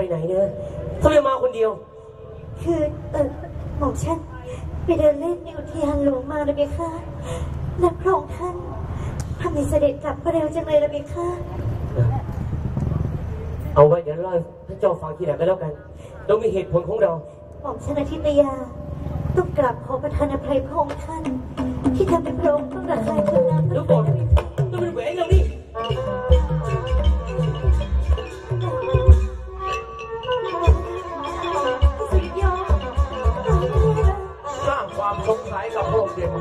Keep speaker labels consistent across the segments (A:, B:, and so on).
A: ไหนเนี่ยทำไมมาคนเดียว
B: คือหม่อมฉันไปเดินเล่นในอุทยานหลวงมาเลยเบค่ะและพระองค์ท่านทำให้เสด็จกลับมาเร็วจังเลยละเบค่ะ
A: เอาไว้เดี๋ยวเล่าพระเจ้าฟังทีหลังก็แล้วกันเรามีเหตุผลของเรา
B: หม่อมฉันอาทิตยาต้องกราบขอประทานอภัยพระองค์ท่านที่ทำเป็นพระองค์ต้องระคายเคืองน้ำ
A: แล้วก่อนต้องเป็นแหวนเราดิ
C: สร้างความสงสัยกับพระองค์เดียว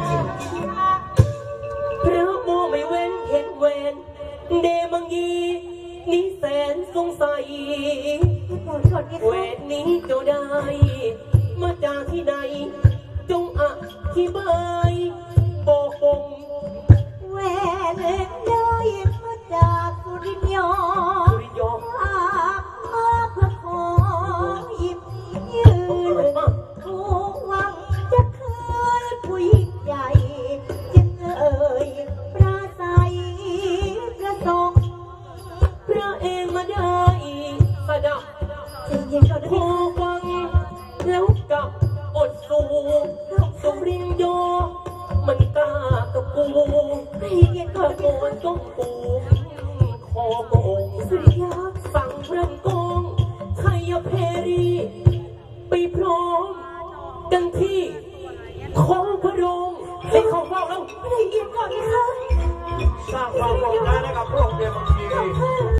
A: พระโมไม่เว้นเห็นแหวนเดมังยีนี่แสนสงสัยแหวนนี้เจ้าได้มาจากที่ใดจงอธิบายบอกผม
B: แหวนได้มาจากสุริยอมาเพื่อขอหยิบยืนผู้หวังจะคืนผู้ยิ่งใหญ่จึงปราศัยประสงค์
A: พระเองมาได้สดับพอฟังแล้วกับอดสูสุรินโยมันกล้ากับกูตะโกนต้องปูคอโกงสั่งพระกองไทยเพรีไปพร้อมกันที่ของพระองค์ให้เข้าเฝ้าแล้ว
B: ไม่ได้ยินก่อนนะคะ
C: สร้างความโกรธให้กับพระองค์เดียว